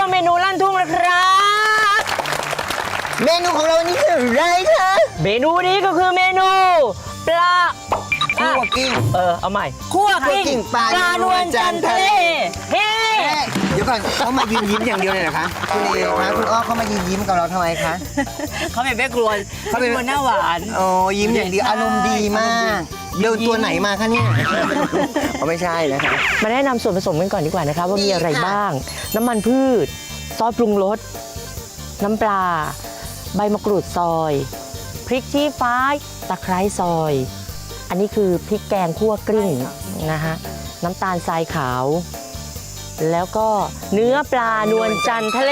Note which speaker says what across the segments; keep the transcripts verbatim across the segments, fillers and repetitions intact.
Speaker 1: เมนูลั่นทุ่งนะครับ
Speaker 2: เมนูของเรานี่คืออะไรคะ
Speaker 1: เมนูนี้ก็คือเมนูปลา
Speaker 2: คั่วกิ้ง
Speaker 1: เออเอาใหม่คั่วกิ้ง
Speaker 2: ปลานวลจันทร์ทะเล
Speaker 1: เฮ้
Speaker 2: เดี๋ยวก่อนเขามายืนยิ้มอย่างเดียวเลยเหรอคะคุณเอคะคุณอ้อเขามายืนยิ้มกับเราทำไมคะ
Speaker 1: เขาเป็นแม่ครัวเขาเป็นคนหน้าหวาน
Speaker 2: โอ้ยิ้มอย่างเดียวอารมณ์ดีมากเดินตัวไหนมาคะเนี่ยเขาไม่ใช่นะคะ
Speaker 1: มาแนะนำส่วนผสมกันก่อนดีกว่านะคะว่ามีอะไรบ้างน้ำมันพืชซอสปรุงรสน้ำปลาใบมะกรูดซอยพริกชี้ฟ้าตะไคร้ซอยอันนี้คือพริกแกงคั่วกลิ้งนะฮะน้ำตาลทรายขาวแล้วก็เนื้อปลานวลจันทร์ทะเล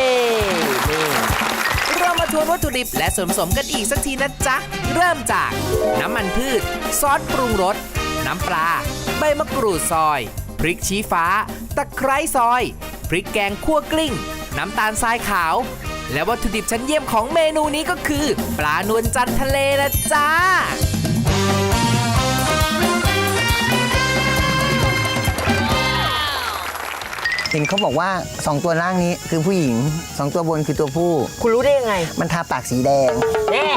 Speaker 3: เรามาทวนวัตถุดิบและส่วนผสมกันอีกสักทีนะจ๊ะเริ่มจากน้ำมันพืชซอสปรุงรสน้ำปลาใบมะกรูดซอยพริกชี้ฟ้าตะไคร้ซอยพริกแกงคั่วกลิ้งน้ำตาลทรายขาวและวัตถุดิบชั้นเยี่ยมของเมนูนี้ก็คือปลานวลจันทร์ทะเลนะจ๊ะ
Speaker 2: เห็นเขาบอกว่าสองตัวล่างนี้คือผู้หญิงสองตัวบนคือตัวผู้
Speaker 1: คุณรู้ได้ยังไง
Speaker 2: มันทาปากสีแดง
Speaker 1: แน่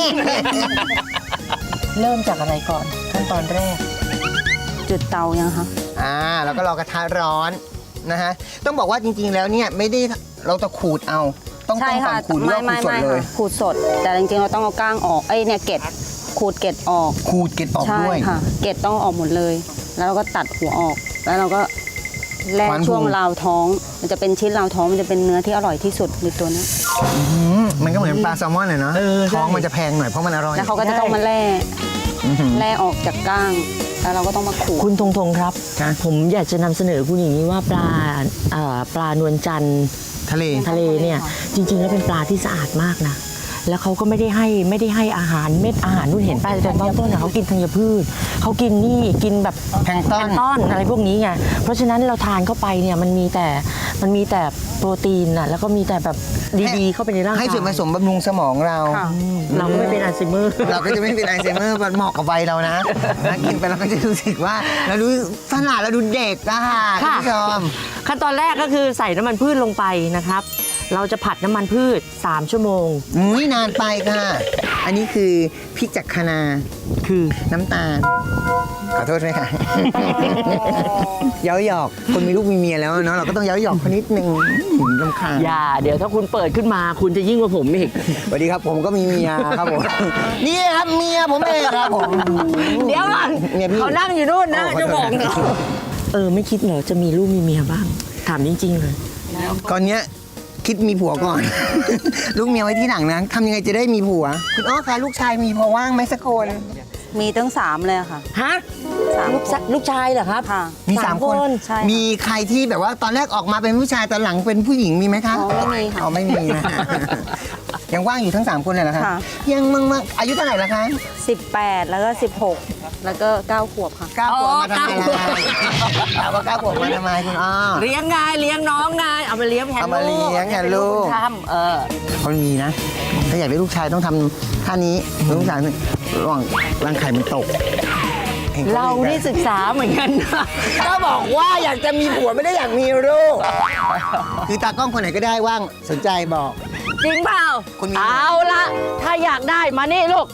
Speaker 1: เริ่มจากอะไรก่อนขั้นตอนแรก
Speaker 4: จุดเตายังคะ
Speaker 2: อ่าแล้วก็รอกระทะร้อนนะฮะต้องบอกว่าจริงๆแล้วเนี่ยไม่ได้เราจะขูดเอาต้องต้องก่อนขูดหรือว่าขูดสดเลย
Speaker 4: ขูดสดแต่จริงๆเราต้องเอาก้างออกไอ้เนี่ยเกล็ดขูดเกล็ดออก
Speaker 2: ขูดเกล็ดออกด้วย
Speaker 4: ใช่ค่ะเกล็ดต้องออกหมดเลยแล้วเราก็ตัดหัวออกแล้วเราก็แล่ช่วงราวท้องมันจะเป็นชิ้นราวท้องมันจะเป็นเนื้อที่อร่อยที่สุดในตัวนี้
Speaker 2: มันก็เหมือนปลาแซลมอนเลยเนาะท้องมันจะแพงหน่อยเพราะมันอร่อย
Speaker 4: แล้วเขาก็จะต้องมาแล่แล่ออกจากก้างแล้วเราก็ต้องมาขูด
Speaker 1: คุณธงธงครับผมอยากจะนำเสนอคุณอย่างนี้ว่าปลาปลานวลจันทร์
Speaker 2: ทะเล
Speaker 1: ทะเลเนี่ยจริงๆแล้วเป็นปลาที่สะอาดมากนะแล้วเขาก็ไม่ได้ให้ไม่ได้ให้อาหารเม็ดอาหารนู่นเห็นป้าแต่ตอนต้นเขากินธัญพืชเขากินนี่กินแบบ
Speaker 2: แพลงก์ต้
Speaker 1: นอะไรพวกนี้ไงเพราะฉะนั้นเราทานเข้าไปเนี่ยมันมีแต่มันมีแต่โปรตีนอ่ะแล้วก็มีแต่แบบดีๆเข้าไปในร่างกาย
Speaker 2: ให้ส่วนผสมบำรุงสมองเรา
Speaker 1: เราก็ไม่เป็นอัลไซเมอร์
Speaker 2: เราก็จะไม่เป็นอัลไซเมอร์มันเหมาะกับวัยเรานะกินไปเราก็จะรู้สึกว่าเราดูขนาดเราดูเด็กอะค่ะคุณผู้ชม
Speaker 1: ขั้นตอนแรกก็คือใส่น้ำมันพืชลงไปนะครับเราจะผัดน้ำมันพืชสามชั่วโมง
Speaker 2: อุ้ยนานไปค่ะอันนี้คือพริกจากคะนา
Speaker 1: คือ
Speaker 2: น้ำตาลขอโทษด้วยค่ะเย้าหยอกคนมีลูกมีเมียแล้วเนาะเราก็ต้องเย้าหยอกคนนิดนึงรำคาญ
Speaker 1: อย่าเดี๋ยวถ้าคุณเปิดขึ้นมาคุณจะยิ่งกว่าผมอีก
Speaker 2: สวัสดีครับผมก็มีเมียครับผมนี่ครับเมียผมเองครับผม
Speaker 1: เดี๋ยวก่อนเขานั่งอยู่นู่นนะจะบอกเออไม่คิดเหรอจะมีลูกมีเมียบ้างถามจริงๆเลย
Speaker 2: ก่อนเนี้ยคิดมีผัวก่อนลูกเมียไว้ที่หลังนะทำยังไงจะได้มีผัวคุณอ้อคะลูกชายมีพอว่างไหมสักคน
Speaker 4: มีตั้งสามเลยค่ะ
Speaker 1: ฮะลูกลูกชายเหรอครับ
Speaker 4: ค่ะ
Speaker 2: มีสามคนมีใครที่แบบว่าตอนแรกออกมาเป็นผู้ชายตอนหลังเป็นผู้หญิงมีไหมคะ
Speaker 4: อ๋อไม่มีค่ะ
Speaker 2: อ๋อไม่มีนะยังว่างอยู่ทั้งสามคนเลยเหรอคะยังมั่งมั่งอายุเท่าไหร่ละคะ
Speaker 4: สิบแปดแล้วก็สิบหกแล้วก็เก้าขวบค่ะ
Speaker 2: เก้าขวบมาทำไมล่ะถามว่าเก้าขวบมาทำไมคุณอ้อ
Speaker 1: เลี้ยงไงเลี้ยงน้องไงเอามาเลี้ยงแทนลูก
Speaker 2: เอามาเลี้ยงแทนลูก
Speaker 1: ทำเออ
Speaker 2: เขามีนะถ้าอยากได้ลูกชายต้องทำท่านี้ลูกชายระหว่างร่างไข่มันตก
Speaker 1: เรานี่ศึกษาเหมือนกันนะ
Speaker 2: ก็บอกว่าอยากจะมีผัวไม่ได้อยากมีลูกคือตากล้องคนไหนก็ได้ว่างสนใจบอก
Speaker 1: จริงเปล่าเอาละถ้าอยากได้มานี่ลูก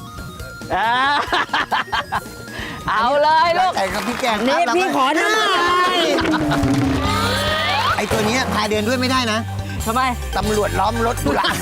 Speaker 1: เอาเลยลูก
Speaker 2: ใส่กับพี่แกง
Speaker 1: นี่พี่ขอหน่อย
Speaker 2: ไอตัวนี้พาเดินด้วยไม่ได้นะ
Speaker 1: ทำไม
Speaker 2: ตำรวจล้อมรถกูละ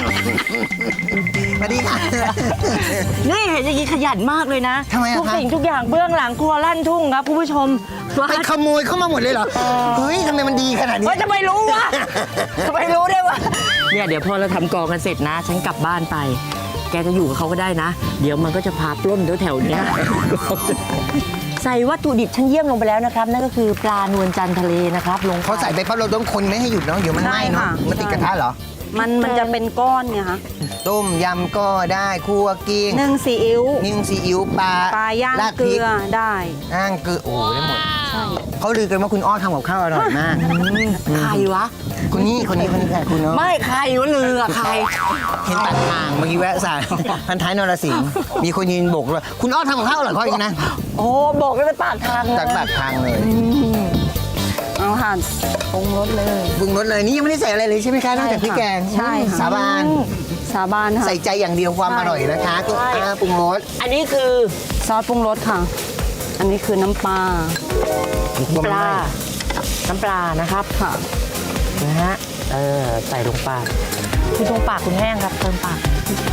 Speaker 2: สวัสดีค่ะ
Speaker 1: นี่เห็นอย่างนี้ขยันมากเลยนะ
Speaker 2: ทำไมอะ
Speaker 1: ทุกสิ่งทุกอย่างเบื้องหลังครัวลั่นทุ่งครับคุณผู้ชม
Speaker 2: ไปขโมยเข้ามาหมดเลยเหรอเฮ้ยทำไมมันดีขนาดนี้
Speaker 1: จะไม่รู้วะจะไม่รู้ได้วะเนี่ยเดี๋ยวพอเราทำกองกันเสร็จนะฉันกลับบ้านไปแกจะอยู่กับเขาก็ได้นะเดี๋ยวมันก็จะพาปล้นแถวๆนี้ใส่วัตถุดิบชั้นเยี่ยมลงไปแล้วนะครับนั่นก็คือปลานวลจันทร์ทะเลนะครับลง
Speaker 2: เขาใส่ไปเพราะเราต้องคนไม่ให้หยุดเนาะเดี๋ยวมันไหม้เนาะมันติดกระทะเหรอ
Speaker 4: มันมันจะเป็นก้อนไงคะ
Speaker 2: ต้มยำก็ได้คั่วกิ้ง
Speaker 4: นึ่งซีอิ๊ว
Speaker 2: นึ่งซีอิ๊วปลา
Speaker 4: ปลาย่างเกลือได้
Speaker 2: ย่างเกลือโอ้ได้หมดเขาลือกันว่าคุณอ้อทำกับข้าวอร่อยมาก
Speaker 1: ใครวะ
Speaker 2: คนนี้คนนี้คนนี้ใครคุณอ้อ
Speaker 1: ไม่ใครวะลือใคร
Speaker 2: เห็นปากทางเมื่อกี้แวะสายพันท้ายนรสิงห์มีคนยืนโบกเลยคุณอ้อทำกับข้าวอร่อยเขาอีกนะ
Speaker 1: โอ้โบกแล้วปากทาง
Speaker 2: จากปากทางเลย
Speaker 4: เอาแล้วค่ะปรุงรสเลย
Speaker 2: ปรุงรสเลยนี่ยังไม่ได้ใส่อะไรเลยใช่ไหมคะนอกจากพริกแกง
Speaker 4: ใช่ค่ะ
Speaker 2: สาบาน
Speaker 4: สาบานค่ะ
Speaker 2: ใส่ใจอย่างเดียวความ
Speaker 4: ใช่
Speaker 2: อร่อยนะคะก็อ่าปรุงรส
Speaker 1: อันนี้คือ
Speaker 4: ซอสปรุงรสค่ะ อันนี้คือน้ำปลา
Speaker 1: ปลา น้ำปลานะครับ
Speaker 4: ค่ะ
Speaker 1: นะฮะ เออ ใส่ลงไปคุณตรงปากคุณแห้งครับเติมปาก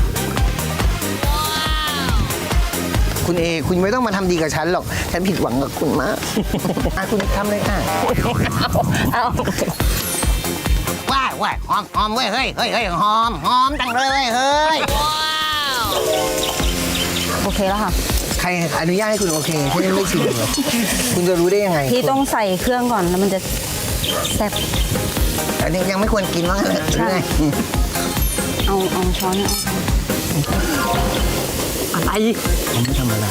Speaker 2: คุณเอคุณไม่ต้องมาทำดีกับฉันหรอก ฉันผิดหวังกับคุณมาก อ่ะคุณทำเลยค่ะ
Speaker 1: เอา
Speaker 2: ว้ายว้ายหอมหอมเว้ยเฮ้ยเฮ้ยเฮ้ยหอมหอมจังเลยเฮ้ย
Speaker 4: โอเคแล้วค่ะ
Speaker 2: ใครอนุญาตให้คุณโอเคฉันยังไม่ชิมเลยคุณจะรู้ได้ยังไง
Speaker 4: ที่ต้องใส่เครื่องก่อนแล้วมันจะแซ่บ
Speaker 2: อันนี้ยังไม่ควรกินว่างั้นเลยหรือไง
Speaker 4: เอาเอาช้อนเนี่ยเอา
Speaker 1: อะไร
Speaker 2: ไม่ธรรมดา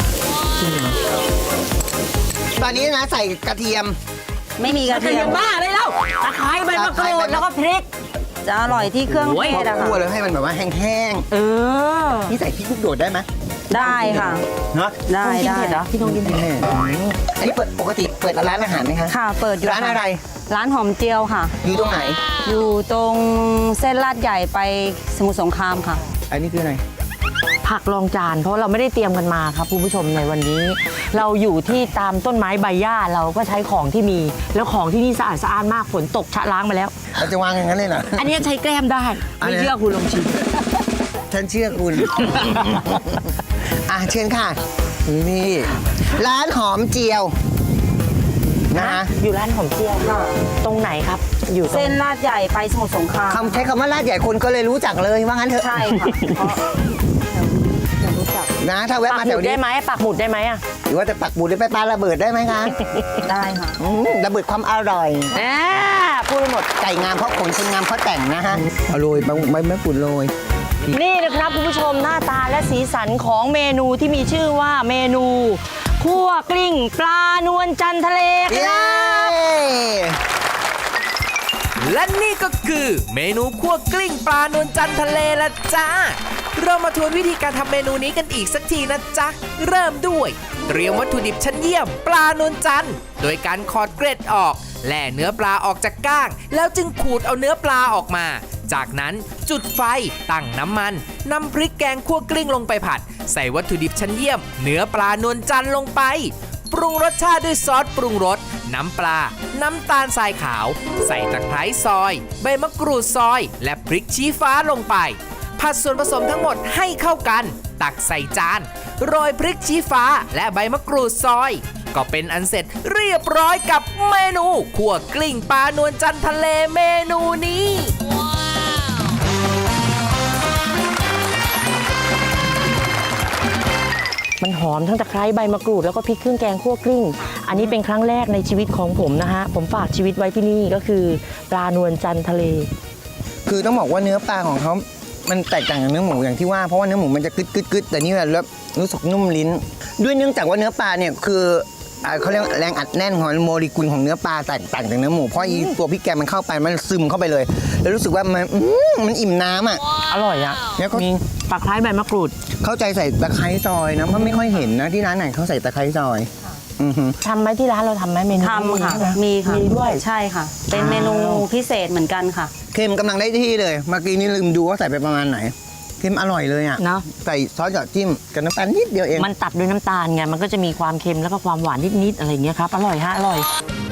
Speaker 2: ตอนนี้นะใส่กระเทียม
Speaker 4: ไม่มีกระ
Speaker 1: กระ
Speaker 4: เที
Speaker 1: เที
Speaker 4: ย
Speaker 1: ย
Speaker 4: ม
Speaker 1: มบ้าเลยแล้วตะไคร้ใบมะกรูดแล้วก็พริก
Speaker 4: จะอร่อยที่เครื่อง
Speaker 1: โอ้ย
Speaker 4: เทศอะ
Speaker 2: คั่ว
Speaker 4: ค่ะ
Speaker 2: เลยให้มันแบบว่าแห้ง
Speaker 1: เออ
Speaker 2: ๆนี่ใส่พริกลูกโดดได้ไหม
Speaker 4: ได้ค่ะ
Speaker 2: เนาะ
Speaker 4: ได้
Speaker 1: ต้องกิน
Speaker 4: ได้
Speaker 1: เผ็ดเหรอพี่ต้องกินเผ็ด
Speaker 2: แน่อันนี้เปิดปกติเปิดร้านอาหารไหมคะ
Speaker 4: ค่ะ เปิดอยู่
Speaker 2: ร้านอะไร
Speaker 4: ร้านหอมเจียวค่ะ
Speaker 2: อยู่ตรงไหน
Speaker 4: อยู่ตรงเส้นลาดใหญ่ไปสมุทรสงครามค่ะ
Speaker 2: อันนี้คืออะไร
Speaker 1: ผักรองจาน เพราะเราไม่ได้เตรียมกันมาครับคุณผู้ชมในวันนี้ เราอยู่ที่ตามต้นไม้ใบหญ้าเราก็ใช้ของที่มี แล้วของที่นี่สะอาดสะอ้านมากฝนตกชะล้างมาแล้ว
Speaker 2: เราจะวางอย่างนั้นเลยเหรอ
Speaker 1: อันนี้ใช้แกล้มได้
Speaker 2: อะไร
Speaker 1: ไม่
Speaker 2: นะ
Speaker 1: เชื่อคุณลองชิม
Speaker 2: ฉันเชื่อคุณ อ่ะเชิญค่ะ นี่ร้านหอมเจียวนะ
Speaker 1: อยู่ร้านหอมเจียวตรงไหนครับ อยู่ตรง
Speaker 4: เส้นลาดใหญ่ไปสมุทรสงคราม
Speaker 2: คำใช้คำว่าลาดใหญ่คนก็เลยรู้จักเลยว่างั้นเถอะ
Speaker 4: ใช่ค่ะเพราะจะรู้จัก
Speaker 2: นะถ้าแวะ
Speaker 1: ปัก
Speaker 2: มา
Speaker 1: ห
Speaker 2: แถ
Speaker 1: มุ
Speaker 2: ว
Speaker 1: ด
Speaker 2: นี้
Speaker 1: ได้ไหมปักหมุดได้ไหมอ่ะ
Speaker 2: หรือว่าจะปักบุดหรือไปปาระเบิดได้ไหมคะ
Speaker 4: ได้ค่ะ
Speaker 2: อืมระเบิดความอร่อย
Speaker 1: อ่าพูดไปหมด
Speaker 2: ไก่งามเพราะขนคนงามเพราะแต่งนะฮะเอาโรยใบใบมะกรูดโรย
Speaker 1: นี่นะครับคุณผู้ชมหน้าตาและสีสันของเมนูที่มีชื่อว่าเมนูคั่วกลิ้งปลานวลจันทร์ทะเลค
Speaker 2: เย้
Speaker 1: รับ
Speaker 3: และนี่ก็คือเมนูคั่วกลิ้งปลานวลจันทร์ทะเลละจ้า เรามาทวนวิธีการทำเมนูนี้กันอีกสักทีนะจ๊ะ เริ่มด้วย เตรียมวัตถุดิบชั้นเยี่ยมปลานวลจันทร์โดยการขอดเกล็ดออกแล่เนื้อปลาออกจากก้าง แล้วจึงขูดเอาเนื้อปลาออกมา จากนั้นจุดไฟตั้งน้ำมันนำพริกแกงคั่วกลิ้งลงไปผัด ใส่วัตถุดิบชั้นเยี่ยม เนื้อปลานวลจันทร์ลงไป ปรุงรสชาติด้วยซอสปรุงรสน้ำปลา น้ำตาลทรายขาว ใส่ตะไคร้ซอย ใบมะกรูดซอย และพริกชี้ฟ้าลงไป ผัดส่วนผสมทั้งหมดให้เข้ากัน ตักใส่จาน โรยพริกชี้ฟ้าและใบมะกรูดซอย ก็เป็นอันเสร็จเรียบร้อยกับเมนูคั่วกลิ้งปลานวลจันทร์ทะเลเมนูนี้
Speaker 1: มันหอมทั้งตะไคร้ใบมะกรูดแล้วก็พริกเครื่องแกงคั่วกลิ้ง อันนี้เป็นครั้งแรกในชีวิตของผมนะฮะผมฝากชีวิตไว้ที่นี่ก็คือปลานวลจันทร์ทะเล
Speaker 2: คือต้องบอกว่าเนื้อปลาของเขามันแตกต่างจากเนื้อหมูอย่างที่ว่าเพราะว่าเนื้อหมูมันจะกึดกึดกึดแต่นี่แบบรู้สึกนุ่มลิ้น ด้วยเนื่องจากว่าเนื้อปลาเนี่ยคืออ่าเขาเรียกแรงอัดแน่นของโมเลกุลของเนื้อปลาแตกต่างจากเนื้อหมูเพราะอีตัวพริกแกงมันเข้าไปมันซึมเข้าไปเลย แล้วรู้สึกว่ามันอื้อมันอิ่มน้ำอ่ะ
Speaker 1: อร่อยอะ
Speaker 2: แล้วก็
Speaker 1: มีตะไคร้ใบมะกรูด
Speaker 2: เข้าใจใส่ตะไคร้ซอยนะเพราะไม่ค่อยเห็นนะที่ร้านไหนเขาใส่ตะไคร้ซอยอือฮึ
Speaker 1: ทำไหมที่ร้านเราทำไหมเมนู
Speaker 4: ทำค่ะ
Speaker 1: ใช่ไห
Speaker 4: มีค่ะ
Speaker 1: มีด้วย
Speaker 4: ใช่ค่ะ เป็นเมนูพิเศษเหมือนกันค่ะ
Speaker 2: เค็มกำลังได้ที่เลยเมื่อกี้นี่ลืมดูว่าใส่ไปประมาณไหนเค็มอร่อยเลยอ่ะ
Speaker 1: เนาะ
Speaker 2: ใส่ซอสหยอดจิ้มกับน้ำตาลนิดเดียวเอง
Speaker 1: มันตัดด้วยน้ำตาลไงมันก็จะมีความเค็มแล้วก็ความหวานนิดๆอะไรอย่างเงี้ยครับอร่อยฮะอร่อย